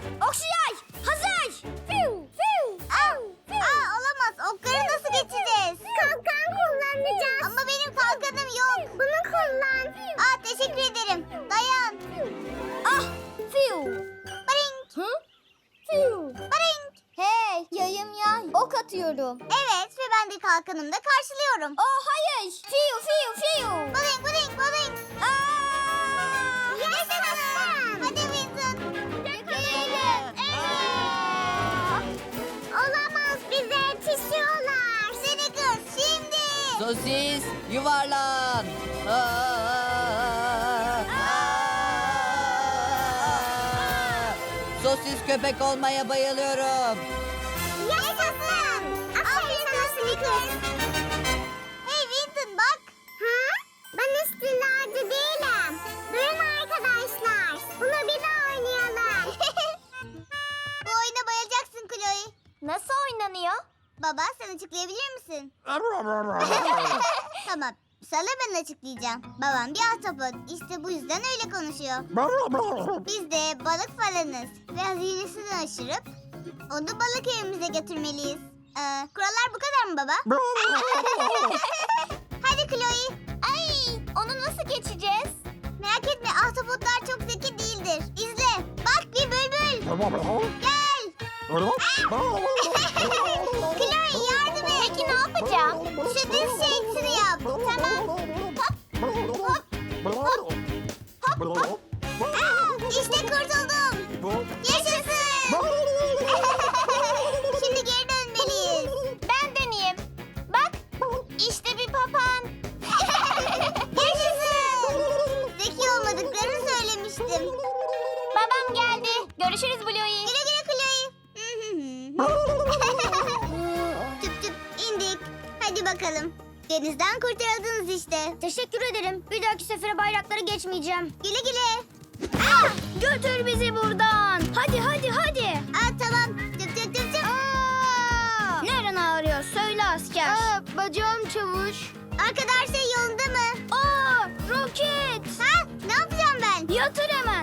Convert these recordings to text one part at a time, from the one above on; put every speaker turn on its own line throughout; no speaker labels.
Okşay! Hazır! Fiu, fiu, au, fiu.
Olamaz. Okları nasıl geçeceğiz?
Kalkan kullanacağız.
Ama benim kalkanım yok.
Bunu kullan.
Teşekkür ederim. Dayan.
Ah! Fiu!
Baring.
Hı? Fiu!
Baring.
Hey! Yayım ya. Ok atıyorum.
Evet ve ben de kalkanımda karşılıyorum.
Oh hayır! Fiu, fiu, fiu!
Baring, baring, baring.
Aa!
Yaşasın. Hadi Vincent.
Yakalayalım.
Olamaz, bize yetişiyorlar.
Snickers şimdi.
Sosis yuvarlan. Sosis köpek olmaya bayılıyorum.
Yaşasın. Aferin sana Snickers. Hey Vincent bak.
Ha? Ben istilacı değilim. Durun arkadaşlar. Bunu bir daha oynayalım.
Bu oyuna bayılacaksın Chloe.
Nasıl oynanıyor?
Baba sen açıklayabilir misin? Tamam. Sana ben açıklayacağım. Babam bir ahtapot. İşte bu yüzden öyle konuşuyor. Biz de balık falanız. Ve hazinesini aşırıp onu balık evimize götürmeliyiz. Kurallar bu kadar mı baba? Hadi Chloe.
Ay! Onu nasıl geçeceğiz?
Merak etme ahtapotlar çok zeki değildir. İzle. Bak bir bülbül. Gel. Chloe yardım et.
Peki ne yapacağım?
Şu düz şeysini yap. Tamam. İşte kurtuldum. Yaşasın. Şimdi geri dönmeliyiz.
Ben deneyeyim. Bak! İşte bir papağan.
Yaşasın. Zeki olmadıklarını söylemiştim.
Babam geldi. Görüşürüz Bluey.
Güle güle Chloe. Tüp tüp indik. Hadi bakalım. Denizden kurtarıldınız işte.
Teşekkür ederim. Bir dahaki sefere bayrakları geçmeyeceğim.
Güle güle.
Götür bizi buradan. Hadi hadi hadi.
Tamam. Tüp tüp tüp tüp.
Neren ağrıyor? Söyle asker. Bacağım çavuş.
Arkada her şey yolunda mı?
Roket.
Ne yapacağım ben?
Yatır hemen.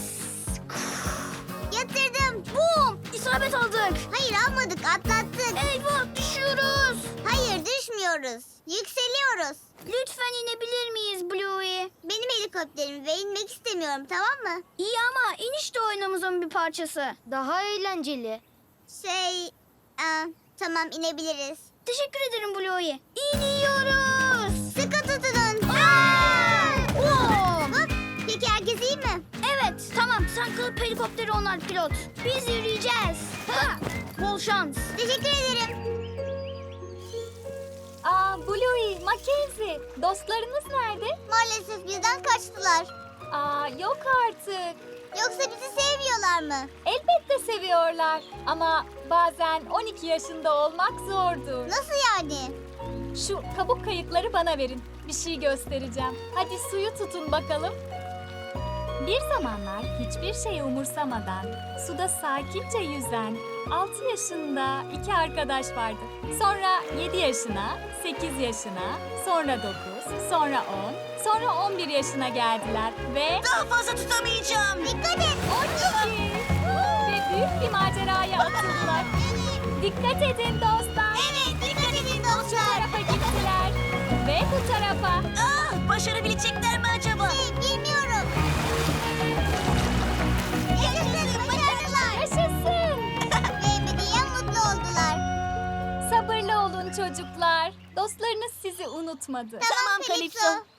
Yatırdım.
Bum. İsabet aldık.
Hayır almadık atlattık.
Eyvah düşüyoruz.
Hayır düşmüyoruz. Yükseliyoruz.
Lütfen inebilir miyiz Bluey?
Benim helikopterim ve inmek istemiyorum tamam mı?
İyi ama iniş de oyunumuzun bir parçası. Daha eğlenceli.
Tamam inebiliriz.
Teşekkür ederim Bluey. İniyoruz.
Sıkı tutunun. Hop. Peki herkes iyi mi?
Evet tamam sen kalıp helikopteri onar pilot. Biz yürüyeceğiz. Bol şans.
Teşekkür ederim.
Bluey, Mackenzie, dostlarınız nerede?
Maalesef bizden kaçtılar.
Yok artık.
Yoksa bizi sevmiyorlar mı?
Elbette seviyorlar ama bazen 12 yaşında olmak zordur.
Nasıl yani?
Şu kabuk kayıkları bana verin. Bir şey göstereceğim. Hadi suyu tutun bakalım. Bir zamanlar hiçbir şey umursamadan suda sakince yüzen 6 yaşında iki arkadaş vardı. Sonra 7 yaşına, 8 yaşına, sonra 9, sonra 10, sonra 11 yaşına geldiler ve
Daha fazla tutamayacağım.
Dikkat et.
12 ve büyük bir maceraya atıldılar. Dikkat edin dostlar.
Evet dikkat edin
Bu
dostlar.
tarafa gittiler ve bu tarafa.
Başarabilecekler mi acaba?
Bilmiyorum. Yaşasın başarılar.
Yaşasın.
Ve ebediyen mutlu oldular.
Sabırlı olun çocuklar. Dostlarınız sizi unutmadı.
Tamam Kalipso.